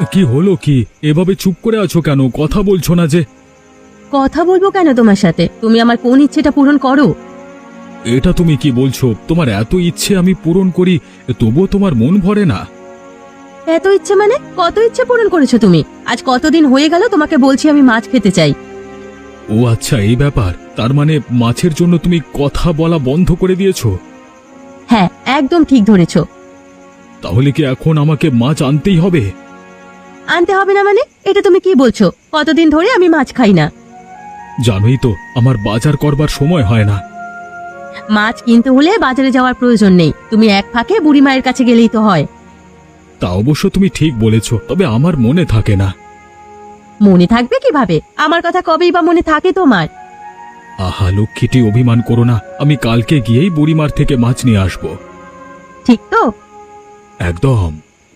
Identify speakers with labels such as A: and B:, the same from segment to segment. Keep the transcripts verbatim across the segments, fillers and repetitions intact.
A: কি হলো কি? এভাবে চুপ করে আছো কেন? কথা বলছো না যে?
B: কথা বলবো কেন তোমার সাথে? তুমি আমার কোন ইচ্ছেটা পূরণ করো?
A: এটা তুমি কি বলছো? তোমার এত ইচ্ছে আমি পূরণ করি, তবুও তোমার মন ভরে না?
B: এত ইচ্ছে মানে? কত ইচ্ছে পূরণ করেছো তুমি? আজ কতদিন হয়ে গেল তোমাকে বলছি আমি মাছ খেতে চাই।
A: ও আচ্ছা, এই ব্যাপার। তার মানে মাছের জন্য তুমি কথা বলা বন্ধ করে দিয়েছো?
B: হ্যাঁ, একদম ঠিক ধরেছো।
A: তাহলে কি এখন আমাকে মাছ আনতেই হবে?
B: আনতে হবে না মানে? এটা তুমি কি বলছো? কতদিন ধরে আমি মাছ খাই না।
A: জানোই তো আমার বাজার করবার সময় হয় না।
B: মাছ কিনতে হলে বাজারে যাওয়ার প্রয়োজন নেই, তুমি এক ফাঁকে বুড়ি মায়ের কাছে গেলেই তো হয়।
A: তা অবশ্য তুমি ঠিক বলেছো, তবে আমার মনে থাকে না।
B: মনে থাকবে কিভাবে? আমার কথা কবেই বা মনে থাকে তোমার?
A: আহা লক্ষ্মীটি, অভিমান করো না। আমি কালকে গিয়েই বুড়িমার থেকে মাছ নিয়ে আসবো।
B: ঠিক তো?
A: একদম।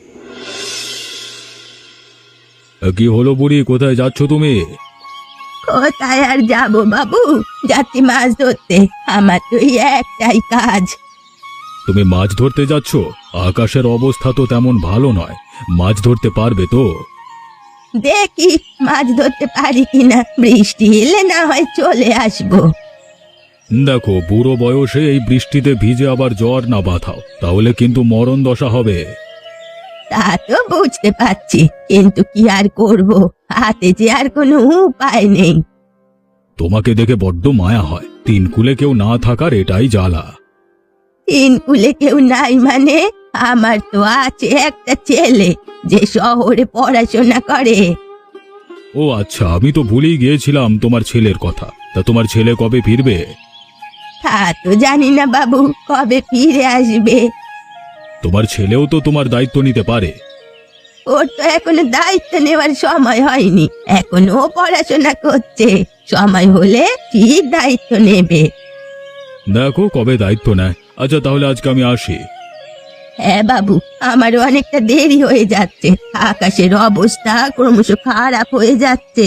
A: কি হলো বুড়ি, কোথায় যাচ্ছ তুমি?
B: কোথায় আর যাবো বাবু, যাচ্ছি মাছ ধরতে। আমার তো এই একটাই কাজ।
A: তুমি মাছ ধরতে যাচ্ছ? আকাশের অবস্থা তো তেমন ভালো নয়, মাছ ধরতে পারবে তো?
B: দেখি মাছ ধরতে পারি কিনা, বৃষ্টি এলে না হয় চলে আসবো।
A: দেখো, বুড়ো বয়সে এই বৃষ্টিতে ভিজে আবার জ্বর না বাঁধাও, তাহলে কিন্তু মরণ দশা হবে।
B: তা তো বুঝতে পারছি, কিন্তু কি আর করব, হাতে যে আর কোনো উপায় নেই।
A: তোমাকে দেখে বড্ড মায়া হয়, তিন কুলে কেউ না থাকার এটাই জ্বালা।
B: তিন কুলে কেউ নাই মানে? আমার তো আছে একটা ছেলে, যে শহরে পড়াশোনা করে।
A: ও আচ্ছা, আমি তো ভুলেই গিয়েছিলাম তোমার ছেলের কথা। তা তোমার ছেলে কবে ফিরবে?
B: তা তো জানি না বাবু, কবে ফিরে আসবে।
A: তোমার ছেলেও তো তোমার দায়িত্ব নিতে পারে।
B: ওর তো এখনো দায়িত্ব নেওয়ার সময় হয়নি, এখনো ও পড়াশোনা করছে। সময় হলে ঠিক দায়িত্ব নেবে।
A: দেখো কবে দায়িত্ব নেয়। আচ্ছা তাহলে আজকে আমি আসি।
B: হ্যাঁ বাবু, আমারও অনেকটা দেরি হয়ে যাচ্ছে, আকাশের অবস্থা ক্রমশ খারাপ হয়ে যাচ্ছে।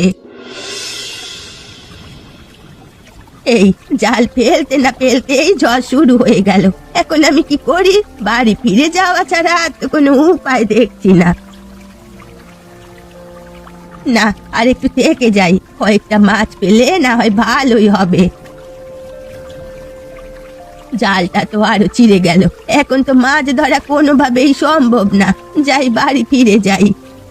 B: এই জাল ফেলতে না ফেলতেই ঝড় শুরু হয়ে গেল। এখন আমি কি করি? বাড়ি ফিরে যাওয়া ছাড়া আর তো কোনো উপায় দেখছি না। না, আর একটু থেকে যাই, কয়েকটা মাছ পেলে না হয় ভালোই হবে। জালটা তো আরো চিড়ে গেল, এখন তো মাছ ধরা কোনোভাবেই সম্ভব না। যাই, বাড়ি ফিরে যাই।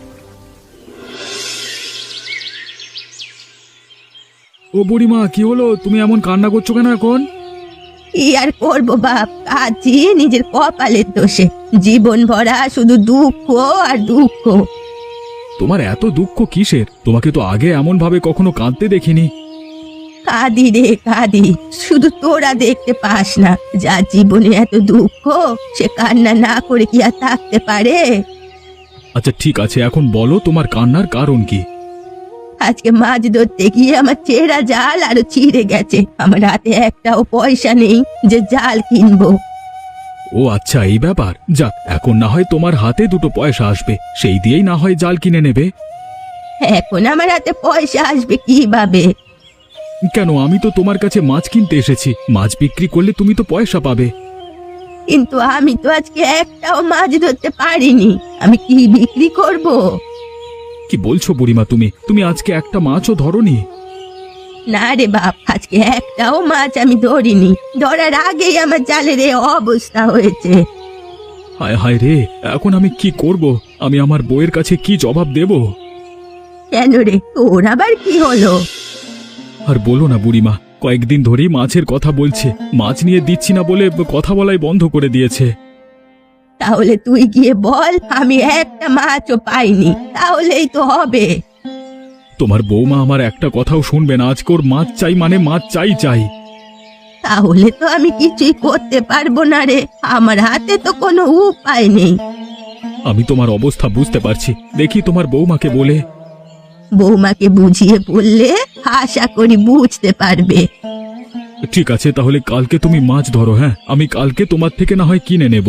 A: ও বুড়িমা, কি হলো? তুমি এমন কান্না করছো কেন এখন?
B: কি আর করবো বাপ, কাজী নিজের কপালের দোষে। জীবন ভরা শুধু দুঃখ আর দুঃখ।
A: তোমার এত দুঃখ কিসের? তোমাকে তো আগে এমন ভাবে কখনো কাঁদতে দেখিনি।
B: কাঁদি রে কাঁদি, শুধু তোরা দেখতে পাস না। যার জীবনে এত দুঃখ, সে কান্না না করে কি আর থাকতে পারে?
A: আচ্ছা ঠিক আছে, এখন বলো তোমার কান্নার কারণ কি?
B: আজকে মাছ ধরতে গিয়ে আমার চেরা জাল আরো ছিঁড়ে গেছে। আমার হাতে একটাও পয়সা নেই যে জাল কিনবো।
A: ও আচ্ছা, এই ব্যাপার। যাক, এখন না হয় তোমার হাতে দুটো পয়সা আসবে, সেই দিয়েই না হয় জাল কিনে নেবে।
B: এখন আমার হাতে পয়সা আসবে কিভাবে?
A: কেন, আমি তো তোমার কাছে মাছ কিনতে এসেছি, মাছ বিক্রি করলে তুমি তো পয়সা পাবে।
B: কিন্তু আমি তো আজকে একটাও মাছ ধরতে পারিনি, আমি কি বিক্রি করব?
A: কি বলছো বুড়িমা তুমি? তুমি আজকে একটা মাছও ধরোনি?
B: না রে বাপ, আজকে একটাও মাছ আমি ধরিনি। ধরার আগেই আমার জালের এই অবস্থা হয়েছে।
A: হায় হায় রে, এখন আমি কি করব? আমি আমার বউয়ের কাছে কি জবাব দেব?
B: কেন রে, তোর আবার কি হলো?
A: আর বলো না বুড়িমা, কয়েকদিন ধরেই মাছের কথা বলছে, মাছ নিয়ে দিচ্ছি না বলে কথা বলাই বন্ধ করে দিয়েছে।
B: তাহলে তুই গিয়ে বল আমি একটা মাছও পাইনি, তাহলেই তো হবে।
A: তোমার বৌমা আমার একটা কথাও শুনবে না। আজকে ওর মাছ চাই মানে মাছ চাই চাই।
B: তাহলে তো আমি কিছুই করতে পারবো না রে, আমার হাতে তো কোনো উপায় নেই।
A: আমি তোমার অবস্থা বুঝতে পারছি, দেখি তোমার বৌমাকে বলে।
B: বৌমাকে বুঝিয়ে বললে আশা করি বুঝতে পারবে।
A: ঠিক আছে, তাহলে কালকে তুমি মাছ ধরো। হ্যাঁ, আমি কালকে তোমার থেকে না হয় কিনে নেব।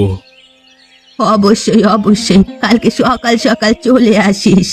B: অবশ্যই অবশ্যই, কালকে সকাল সকাল চলে আসিস।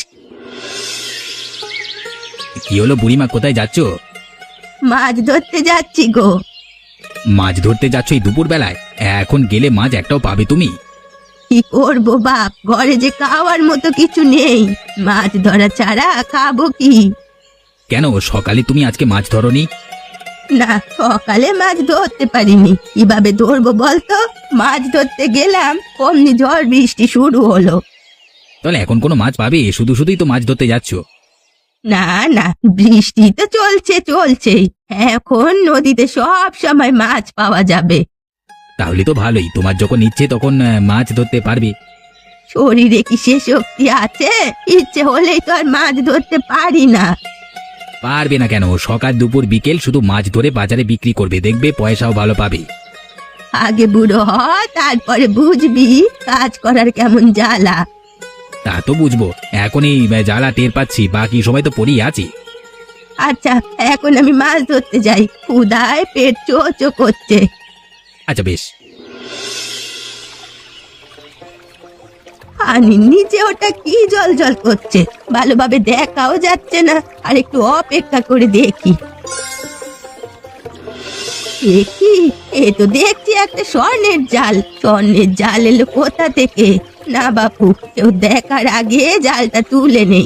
C: কি হলো বুড়িমা, কোথায় যাচ্ছ?
B: মাছ ধরতে যাচ্ছি গো।
C: মাছ ধরতে যাচ্ছ এই দুপুর বেলায়? এখন গেলে মাছ একটাও পাবে তুমি?
B: কি করব বাপ, ঘরে যে খাওয়ার মতো কিছু নেই। মাছ ধরা ছাড়া খাবো কি?
C: কেন সকালে তুমি আজকে মাছ ধরনি?
B: না, সকালে মাছ ধরতে পারিনি। কিভাবে ধরবো বলতো? মাছ ধরতে গেলাম, অমনি ঝড় বৃষ্টি শুরু হলো।
C: তাহলে এখন কোনো মাছ পাবে? শুধু শুধুই তো মাছ ধরতে যাচ্ছ।
B: না না, বৃষ্টি তো চলছে চলছেই। এখন নদীতে সব সময় মাছ পাওয়া যাবে।
C: তাহলে তো ভালোই, তোমার যখন ইচ্ছে তখন আহ, মাছ ধরতে পারবে।
B: শরীরে কি সে শক্তি আছে? ইচ্ছে হলেই তো আর মাছ ধরতে পারি না।
C: পারবে না কেন? সকাল দুপুর বিকেল শুধু মাছ ধরে বাজারে বিক্রি করবে, দেখবে পয়সাও ভালো পাবে।
B: আগে বুড়ো হ, তারপরে বুঝবি কাজ করার কেমন জ্বালা।
C: তা তো বুঝবো, এখনই আহ, জ্বালা টের পাচ্ছি, বাকি সময় তো পড়েই আছি।
B: আচ্ছা, এখন আমি মাছ ধরতে যাই, ক্ষুধায় পেট চো চো করছে।
C: আচ্ছা বেশ।
B: পানির নিচে ওটা কি জল জল করছে, ভালোভাবে দেখাও যাচ্ছে না। আর একটু অপেক্ষা করে দেখি। দেখি, এ তো দেখছি একটা স্বর্ণের জাল। স্বর্ণের জাল এলো কোথা থেকে? না বাপু, কেউ দেখার আগে জালটা তুলে নেই।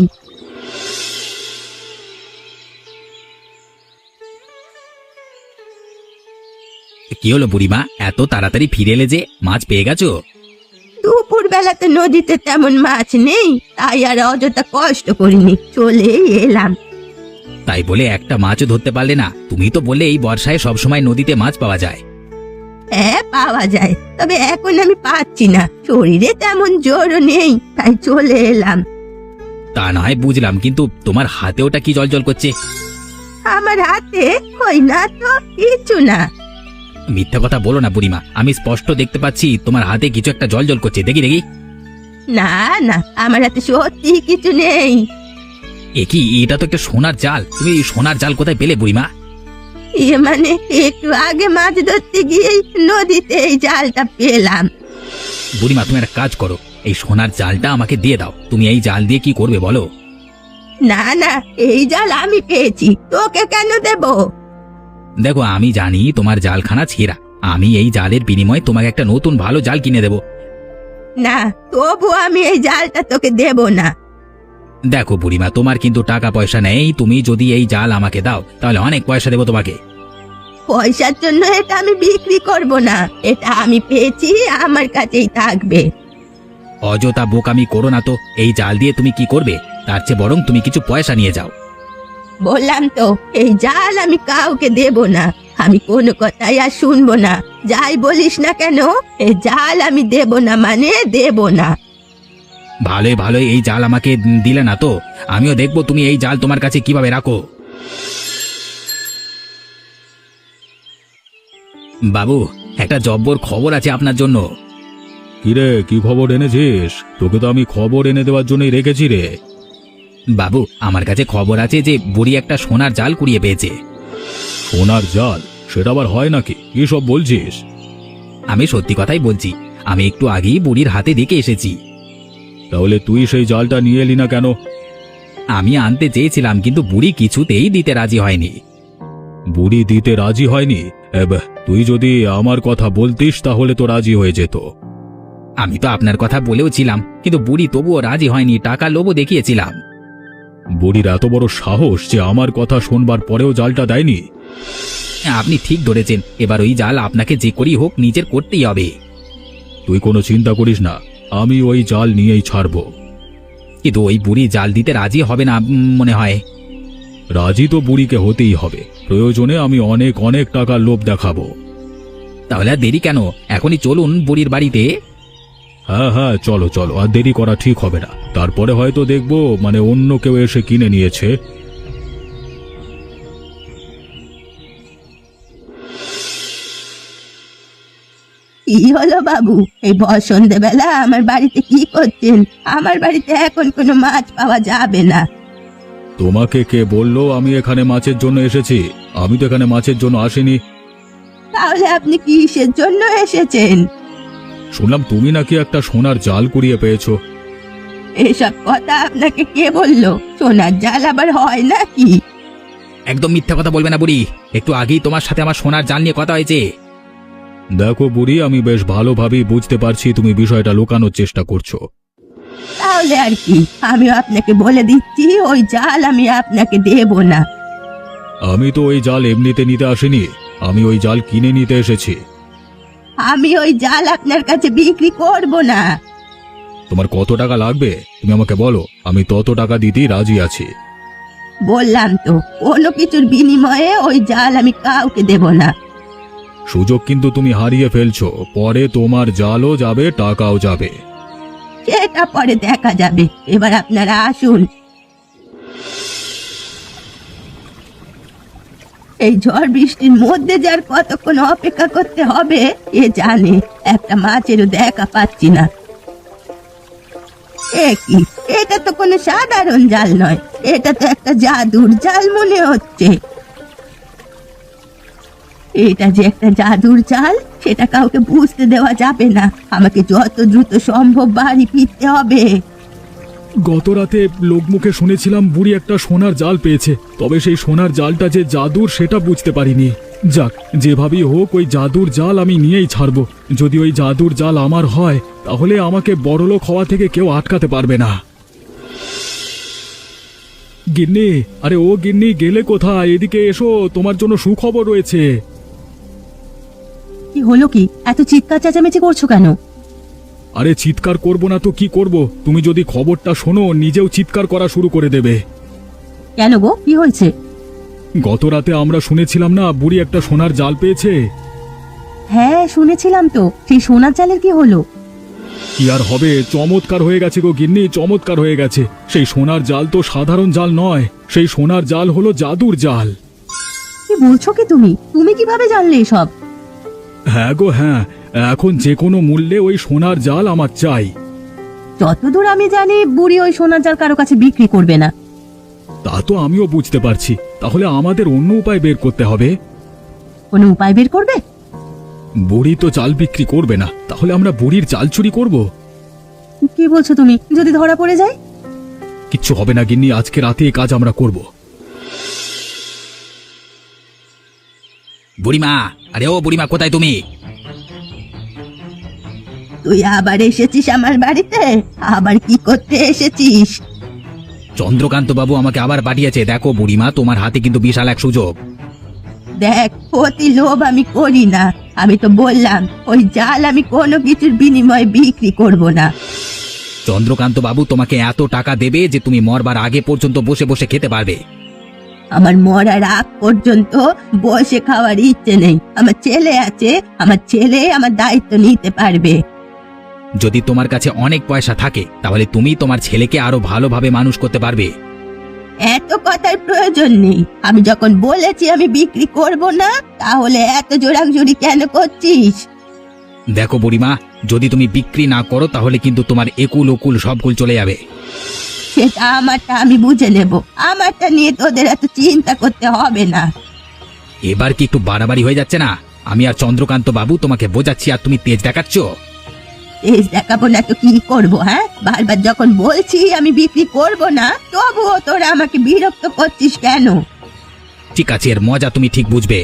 C: কি হলো বুড়িমা, এত তাড়াতাড়ি ফিরে এলে যে? মাছ পেয়ে গেছো?
B: দুপুর বেলাতে নদীতে তেমন মাছ নেই, তাই আর অযথা কষ্ট করিনি, চলেই এলাম।
C: তাই বলে একটা মাছও ধরতে পারলে না? তুমি তো বললে এই বর্ষায় সবসময় নদীতে মাছ পাওয়া যায়।
B: হ্যাঁ, পাওয়া যায়, তবে এখন আমি পাচ্ছি না। শরীরে তেমন জোরও নেই, তাই চলে এলাম।
C: তা না হয় বুঝলাম, কিন্তু তোমার হাতে ওটা কি জল জল করছে?
B: আমার হাতে ওই না তো, কিছু না।
C: মিথ্যা কথা বলো না বুড়িমা, আমি স্পষ্ট দেখতে পাচ্ছি তোমার হাতে কিছু একটা জল জল করছে। দেখি দেখি।
B: না না, আমার হাতে সত্যি কিছু নেই।
C: এ কি, এটা তো একটা সোনার জাল। তুমি এই সোনার জাল কোথায় পেলে বুড়িমা?
B: এ মানে একটু আগে মাছ ধরতে গিয়ে নদীতে এই জালটা পেলাম।
C: বুড়িমা তুমি একটা কাজ করো, এই সোনার জালটা আমাকে দিয়ে দাও। তুমি এই জাল দিয়ে কি করবে বলো?
B: না না, এই জাল আমি পেয়েছি, তোকে কেন দেব?
C: দেখো, আমি জানি তোমার জালখানা ছেঁড়া। আমি এই জালের বিনিময়ে তোমাকে একটা নতুন ভালো জাল কিনে দেব।
B: না, তবু আমি এই জালটা তোকে দেব না।
C: দেখো বুড়িমা, তোমার কিন্তু টাকা পয়সা নেই। তুমি যদি এই জাল আমাকে দাও তাহলে অনেক পয়সা দেবো তোমাকে।
B: পয়সার জন্য এটা আমি বিক্রি করব না। এটা আমি পেয়েছি, আমার কাছেই থাকবে।
C: অযথা বোকামি করো না তো। এই জাল দিয়ে তুমি কি করবে? তার চেয়ে বরং তুমি কিছু পয়সা নিয়ে যাও।
B: বললাম তো, এই জাল আমি কাউকে দেব না। আমি কোনো কথাই আর শুনবো না, যাই বলিস না কেন। এই জাল আমি দেব না মানে দেব না।
C: ভালোই ভালোই এই জাল আমাকে দিলে না তো, আমিও দেখবো তুমি এই জাল তোমার কাছে কিভাবে রাখো। বাবু, একটা জব্বর খবর আছে আপনার জন্য।
A: কিরে, কি খবর এনেছিস? তোকে তো আমি খবর এনে দেওয়ার জন্যই রেখেছি রে।
C: বাবু, আমার কাছে খবর আছে যে বুড়ি একটা সোনার জাল কুড়িয়ে পেয়েছে।
A: সোনার জাল? সেটা আবার হয় নাকি? কি সব বলছিস?
C: আমি সত্যি কথাই বলছি, আমি একটু আগেই বুড়ির হাতে দেখে এসেছি।
A: তাহলে তুই সেই জালটা নিয়ে এলি না কেন?
C: আমি আনতে চেয়েছিলাম, কিন্তু বুড়ি কিছুতেই দিতে রাজি হয়নি।
A: বুড়ি দিতে রাজি হয়নি? এব, তুই যদি আমার কথা বলতিস তাহলে তো রাজি হয়ে যেত।
C: আমি তো আপনার কথা বলেও ছিলাম, কিন্তু বুড়ি তবুও রাজি হয়নি। টাকা লোভও দেখিয়েছিলাম।
A: বুড়ির এত বড় সাহস যে আমার কথা শোনবার পরেও জালটা দেয়নি?
C: আপনি ঠিক ধরেছেন, এবার ওই জাল আপনাকে যে করি হোক নিজের করতেই হবে।
A: তুই কোনো চিন্তা করিস না, আমি ওই জাল নিয়েই ছাড়ব।
C: কিন্তু ওই বুড়ি জাল দিতে রাজি হবে না উম, মনে হয়।
A: রাজি তো বুড়িকে হতেই হবে। প্রয়োজনে আমি অনেক অনেক টাকার লোভ দেখাবো।
C: তাহলে আর দেরি কেন? এখনই চলুন বুড়ির বাড়িতে।
A: হ্যাঁ হ্যাঁ, চলো চলো, আর দেরি করা ঠিক হবে না। তারপরে হয়তো দেখবো মানে অন্য কেউ এসে কিনে নিয়েছে।
B: কি হলো বাবু, এই বসন্তে বেলা আমার বাড়িতে কি করছেন? আমার বাড়িতে এখন কোনো মাছ পাওয়া যাবে না।
A: তোমাকে কে বললো আমি এখানে মাছের জন্য এসেছি? আমি তো এখানে মাছের জন্য আসিনি।
B: তাহলে আপনি কিসের জন্য এসেছেন?
A: শুনলাম তুমি নাকি একটা সোনার জাল কুড়িয়ে পেয়েছো।
B: এসব কথা আপনাকে কে বললো? সোনার জাল আবার হয় নাকি?
C: একদম মিথ্যা কথা বলবে না বুড়ি। একটু আগেই তোমার সাথে আমার সোনার জাল নিয়ে কথা হয়েছে।
A: দেখো বুড়ি, আমি বেশ ভালোভাবেই বুঝতে পারছি তুমি বিষয়টা লুকানোর চেষ্টা করছো।
B: তাহলে আর কি, আমিও আপনাকে বলে দিচ্ছি ওই জাল আমি আপনাকে দেব না।
A: আমি তো ওই জাল এমনিতে নিতে আসিনি, আমি ওই জাল কিনে নিতে এসেছি।
B: আমি ওই জাল আপনার কাছে বিক্রি করব না।
A: তোমার কত টাকা লাগবে তুমি আমাকে বলো, আমি তত টাকা দিতেই রাজি আছি।
B: বললাম তো, কোনো কিছুর বিনিময়ে ওই জাল আমি কাউকে দেব না।
A: সুযোগ কিন্তু তুমি হারিয়ে ফেলছো, পরে তোমার জালও যাবে, টাকাও যাবে।
B: সেটা পরে দেখা যাবে, এবার আপনারা আসুন। এই ঝড় বৃষ্টির মধ্যে যার কতক্ষণ অপেক্ষা করতে হবে এ জানে। একটা মাছেরও দেখা পাচ্ছি না। এ কি, এটা তো কোনো সাধারণ জাল নয়, এটা তো একটা জাদুর জাল মনে হচ্ছে। এটা যে একটা জাদুর জাল সেটা কাউকে বুঝতে দেওয়া যাবে না। আমাকে যত দ্রুত সম্ভব বাড়ি ফিরতে হবে।
A: গত রাতে লোকমুখে শুনেছিলাম বুড়ি একটা সোনার জাল পেয়েছে, তবে সেই সোনার জালটা যে জাদুর সেটা বুঝতে পারিনি। যাক, যেভাবেই হোক ওই জাদুর জাল আমি নিয়েই ছাড়বো। যদি ওই জাদুর জাল আমার হয় তাহলে আমাকে বড়লোক হওয়া থেকে কেউ আটকাতে পারবে না। গিন্নি, আরে ও গিন্নি, গেলে কোথায়? এদিকে এসো, তোমার জন্য সুখবর রয়েছে।
B: কি হলো কি, এত চিৎকার চেঁচামেচি করছো কেন?
A: আরে চিৎকার করব না তো কি করব? তুমি যদি খবরটা শোনো নিজেও চিৎকার করা শুরু করে দেবে।
B: কেন গো, কি হয়েছে?
A: গত রাতে আমরা শুনেছিলাম না বুড়ি একটা সোনার জাল পেয়েছে।
B: হ্যাঁ শুনেছিলাম তো, সেই সোনার জালের কি হলো?
A: কি আর হবে, চমৎকার হয়ে গেছে গো গিন্নি, চমৎকার হয়ে গেছে। সেই সোনার জাল তো সাধারণ জাল নয়, সেই সোনার জাল হলো জাদুর জাল।
B: কি বলছো কি তুমি? তুমি কিভাবে জানলে এসব?
A: হ্যাঁ গো হ্যাঁ, এখন যে কোনো মূল্যে ওই সোনার জাল আমার চাই।
B: যতদূর আমি জানি বুড়ি ওই সোনার জাল কারো কাছে বিক্রি করবে না।
A: তা তো আমিও বুঝতে পারছি, তাহলে আমাদের অন্য উপায় বের করতে হবে।
B: কোনো উপায় বের করবে?
A: বুড়ি তো জাল বিক্রি করবে না, তাহলে আমরা বুড়ির জাল চুরি করব।
B: কি বলছো তুমি? যদি ধরা পড়ে যায়?
A: কিচ্ছু হবে না গিন্নি, আজকে রাতে এই কাজ আমরা করব।
C: বুড়িমা, আরে ও বুড়িমা, কোথায় তুমি?
B: তুই আবার এসেছিস আমার বাড়িতে? আবার কি করতে এসেছিস?
C: চন্দ্রকান্ত বাবু আমাকে আবার পাঠিয়েছে। দেখো বুড়িমা, তোমার হাতে কিন্তু বিশাল এক সুযোগ।
B: দেখ, অতি লোভ আমি করি না। আমি তো বললাম ওই জাল আমি কোনো কিছুর বিনিময়ে বিক্রি করব না।
C: চন্দ্রকান্ত বাবু তোমাকে এত টাকা দেবে যে তুমি মরবার আগে পর্যন্ত বসে বসে খেতে পারবে।
B: আমার মরার আগ পর্যন্ত বসে খাওয়ার ইচ্ছে নেই। আমার ছেলে আছে, আমার ছেলে আমার দায়িত্ব নিতে পারবে।
C: যদি তোমার কাছে অনেক পয়সা থাকে তাহলে তুমি তোমার ছেলেকে আরো ভালোভাবে মানুষ করতে পারবে।
B: এত কথার প্রয়োজন নেই। আমি যখন বলেছি আমি বিক্রি করব না, তাহলে এত জোরাংজুরি কেন করছিস?
C: দেখো বুড়িমা, যদি তুমি বিক্রি না করো তাহলে কিন্তু তোমার একুল ওকুল সবকুল চলে যাবে।
B: সেটা আমারটা আমি বুঝে নেব, আমারটা নিয়ে তোদের এত চিন্তা করতে হবে না।
C: এবার কি একটু বাড়াবাড়ি হয়ে যাচ্ছে না? আমি আর চন্দ্রকান্ত বাবু তোমাকে বোঝাচ্ছি আর তুমি তেজ দেখাচ্ছ।
B: তেজ দেখাবো না তো কি করব? হ্যাঁ, বারবার যখন বলছি আমি বিক্রি করব না, তবুও তোরা আমাকে বিরক্ত করছিস কেন?
C: ঠিক আছে, এর মজা তুমি ঠিক বুঝবে।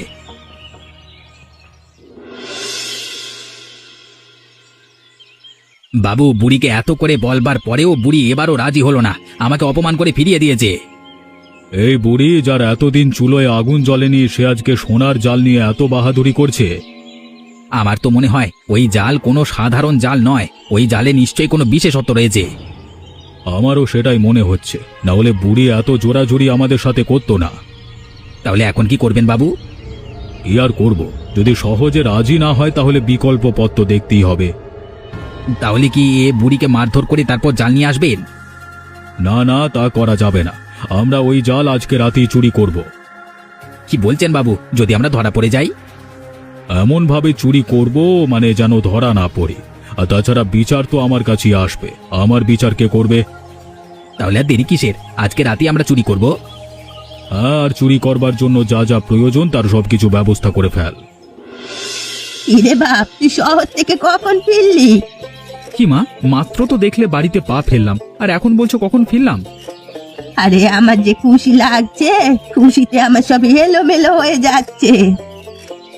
C: বাবু, বুড়িকে এত করে বলবার পরেও বুড়ি এবারও রাজি হলো না, আমাকে অপমান করে ফিরিয়ে দিয়েছে।
A: এই বুড়ি, যার এতদিন চুলোয় আগুন জ্বলেনি সে আজকে সোনার জাল নিয়ে এত বাহাদুরি করছে।
C: আমার তো মনে হয় ওই জাল কোনো সাধারণ জাল নয়, ওই জালে নিশ্চয়ই কোনো বিশেষত্ব রয়েছে।
A: আমারও সেটাই মনে হচ্ছে, না হলে বুড়ি এত জোরাজুরি আমাদের সাথে করতো না।
C: তাহলে এখন কি করবেন বাবু?
A: কি আর করব, যদি সহজে রাজি না হয় তাহলে বিকল্প পথ তো দেখতেই হবে।
C: তাহলে কি এ বুড়িকে মারধর করে তারপর জাল নিয়ে আসবেন?
A: না না, তা করা যাবে না, আমরা ওই জাল আজকে রাতেই চুরি করব।
C: কি বলছেন বাবু? যদি আমরা ধরা পড়ে যাই?
A: এমন ভাবে চুরি করব মানে যেন ধরা না পড়ি। আর তাছাড়া বিচার তো আমার কাছেই আসবে, আমার বিচার কে করবে?
C: তাহলে আর দেরি কিসের, আজকে রাতে আমরা চুরি করব।
A: হ্যাঁ, আর চুরি করবার জন্য যা যা প্রয়োজন তার সবকিছু ব্যবস্থা করে ফেল।
B: ইরে বাপ, তুই শহর থেকে কখন ফিরলি?
A: কি মা, মাত্র তো দেখলে বাড়িতে পা ফেললাম, আর এখন বলছো কখন ফিরলাম?
B: আরে আমার যে খুশি লাগছে, খুশিতে আমার সব এলোমেলো হয়ে যাচ্ছে।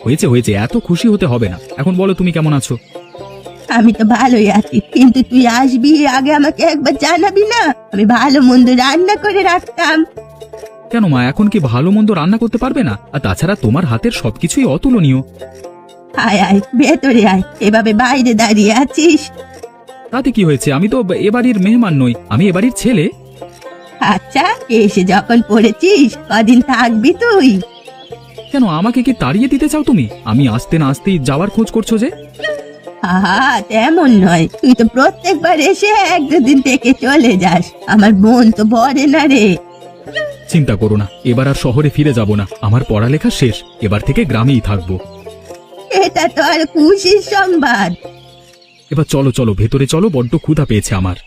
C: হয়েছে হয়েছে, এত খুশি হতে হবে না। এখন বলো তুমি কেমন আছো?
B: আমি তো ভালোই আছি, কিন্তু তুই আসবি আগে আমাকে একবার জানাবি না? আমি ভালো মন্দ রান্না করে রাখতাম।
C: কেন মা, এখন কি ভালো মন্দ রান্না করতে পারবে না? আর তাছাড়া তোমার হাতের সবকিছুই অতুলনীয়।
B: আয় আয় ভেতরে আয়, এভাবে বাইরে দাঁড়িয়ে আছিস?
C: তাতে কি হয়েছে? আমি তো এ বাড়ির মেহমান নই, আমি এ বাড়ির ছেলে।
B: আচ্ছা, এসে যখন পড়েছিস কদিন থাকবি তুই?
C: কেন, আমাকে কি তাড়িয়ে দিতে চাও তুমি? আমি আসতে না আসতেই যাওয়ার খোঁজ করছো যে?
B: আহা, তেমন নয়, তুই তো প্রত্যেকবার এসে এক দুদিন থেকে চলে যাস, আমার মন তো ভরে না রে।
C: চিন্তা করো না, এবার আর শহরে ফিরে যাব না। আমার পড়ালেখা শেষ, এবার থেকে গ্রামেই থাকবো।
B: এটা তো আর খুশির সংবাদ।
C: এবার চলো চলো ভেতরে চলো, বড্ড ক্ষুধা পেয়েছে আমার।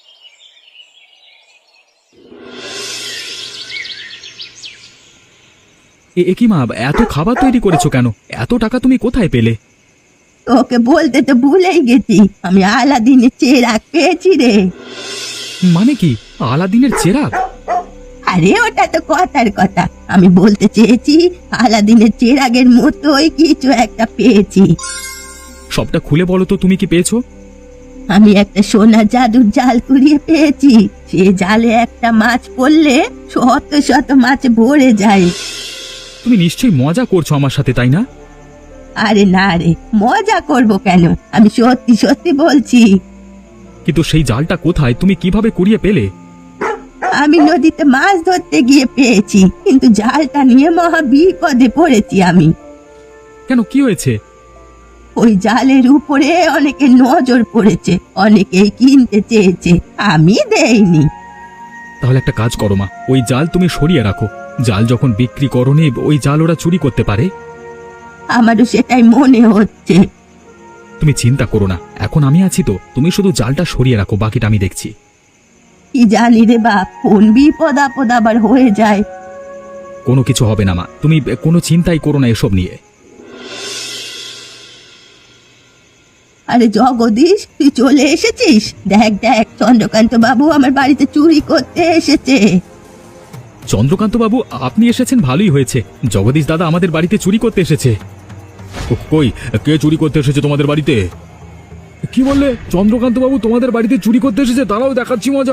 C: এ এ কি মা, এত খাবার তৈরি করেছো কেন? এত টাকা তুমি কোথায় পেলে?
B: তোকে বলতে তো ভুলেই গেছি, আমি আলাদিনের চেরাগ পেয়েছি রে।
C: মানে কি, আলাদিনের চেরাগ?
B: আরে ওটা তো কথার কথা, আমি বলতে চেয়েছি আলাদিনের চেরাগের মতোই কিছু একটা পেয়েছি।
C: সবটা খুলে বলো তো, তুমি কি পেয়েছো?
B: আমি একটা সোনা জাদুর জাল কুড়িয়ে পেয়েছি। সে জালে একটা মাছ পড়লে শত শত মাছ ভরে যায়।
C: তুমি নিশ্চয়ই মজা করছো আমার সাথে, তাই না?
B: আরে না রে, মজা করব কেন, আমি সত্যি সত্যি বলছি।
C: কিন্তু সেই জালটা কোথায়, তুমি কিভাবে কুড়িয়ে পেলে?
B: আমি নদীতে মাছ ধরতে গিয়ে পেয়েছি, কিন্তু জালটা নিয়ে মহা বিপদে পড়েছি আমি।
C: কেন, কি হয়েছে?
B: ওই জালের উপরে অনেকে নজর পড়েছে, অনেকেই কিনতে চেয়েছে, আমি দেইনি।
C: তাহলে একটা কাজ করো মা, ওই জাল তুমি সরিয়ে রাখো। জাল যখন বিক্রি করনি, ওই জাল ওরা চুরি করতে পারে।
B: আমারও সেটাই মনে হচ্ছে।
C: তুমি চিন্তা করো না, এখন আমি আছি তো, তুমি শুধু জালটা সরিয়ে রাখো, বাকিটা আমি দেখছি।
B: কি জানি রে বাপ, কোন বিপদ আপদ আবার হয়ে যায়।
C: কোনো কিছু হবে না মা, তুমি কোনো চিন্তাই করো না এসব নিয়ে।
B: আরে জগদীশ, তুই চলে এসেছিস? দেখ দেখ, চন্দ্রকান্ত বাবু আমার বাড়িতে চুরি করতে এসেছে।
C: চন্দ্রকান্ত বাবু, আপনি এসেছেন, ভালোই হয়েছে। জগদীশ দাদা আমাদের বাড়িতে চুরি করতে এসেছে। কই, কে চুরি করতে এসেছে তোমাদের বাড়িতে? কি বললে? চন্দ্রকান্ত বাবু তোমাদের বাড়িতে চুরি করতে এসেছে? দাঁড়াও, দেখাচ্ছি মজা।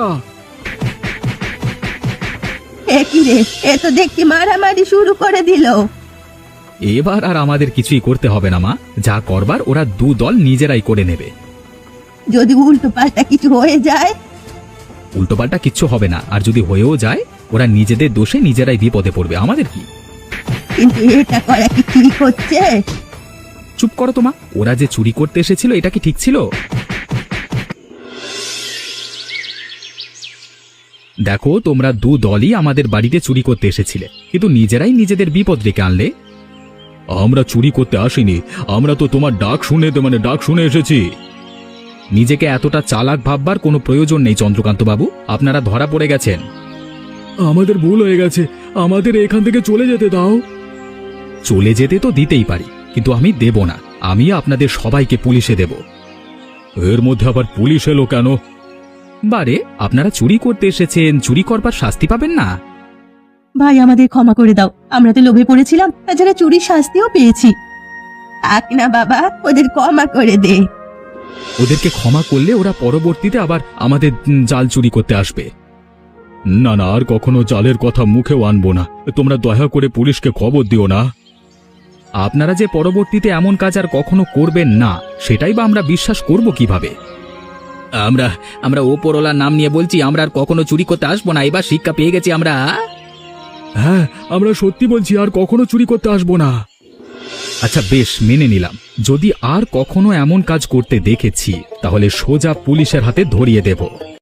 B: এ কি রে, এ তো দেখি মারামারি শুরু করে দিল।
C: এবার আর আমাদের কিছুই করতে হবে না মা, যা করবার ওরা দু দল নিজেরাই করে নেবে।
B: যদি উল্টো পাল্টা কিছু হয়ে যায়?
C: উল্টোপাল্টা কিচ্ছু হবে না, আর যদি হয়েও যায় ওরা নিজেদের দোষে নিজেরাই বিপদে পড়বে, আমাদের কি?
B: কিন্তু এটা করা কি ঠিক হচ্ছে?
C: চুপ করো তো মা, ওরা যে চুরি করতে এসেছিল এটা কি ঠিক ছিল? দেখো, তোমরা দু দলই আমাদের বাড়িতে চুরি করতে এসেছিলে, কিন্তু নিজেরাই নিজেদের বিপদ ডেকে আনলে। আমরা চুরি করতে আসিনি, আমরা তো তোমার ডাক শুনে মানে ডাক শুনে এসেছি। নিজেকে এতটা চালাক ভাববার কোনো প্রয়োজন নেই চন্দ্রকান্ত বাবু, আপনারা ধরা পড়ে গেছেন।
A: আমাদের ভুল হয়ে গেছে, আমাদের এখান থেকে চলে যেতে দাও।
C: চলে যেতে তো দিতেই পারি, কিন্তু আমি দেব না। আমি আপনাদের সবাইকে পুলিশে দেব। এর মধ্যে আবার পুলিশ এলো কেন? বারে, আপনারা চুরি করতে এসেছেন, চুরি করবার শাস্তি পাবেন না।
B: ভাই, আমাদের ক্ষমা করে দাও, আমরা তো লোভে পড়েছিলাম, তাছাড়া চুরির শাস্তিও পেয়েছি। থাক না বাবা, ওদের ক্ষমা করে দে।
C: ওদেরকে ক্ষমা করলে ওরা পরবর্তীতে আবার আমাদের জাল চুরি করতে আসবে। না না, আর কখনো জালের কথা মুখেও আনবো না। তোমরা দয়া করে পুলিশকে খবর দিও না। আপনারা যে পরবর্তীতে এমন কাজ আর কখনো করবেন না, সেটাই বা আমরা বিশ্বাস করব কিভাবে? আমরা আমরা ওপরওয়ালার নাম নিয়ে বলছি, আমরা আর কখনো চুরি করতে আসবো না। এবার শিক্ষা পেয়ে গেছি আমরা।
A: হ্যাঁ, আমরা সত্যি বলছি, আর কখনো চুরি করতে আসবো না।
C: আচ্ছা বেশ, মেনে নিলাম। যদি আর কখনো এমন কাজ করতে দেখেছি, তাহলে সোজা পুলিশের হাতে ধরিয়ে দেব।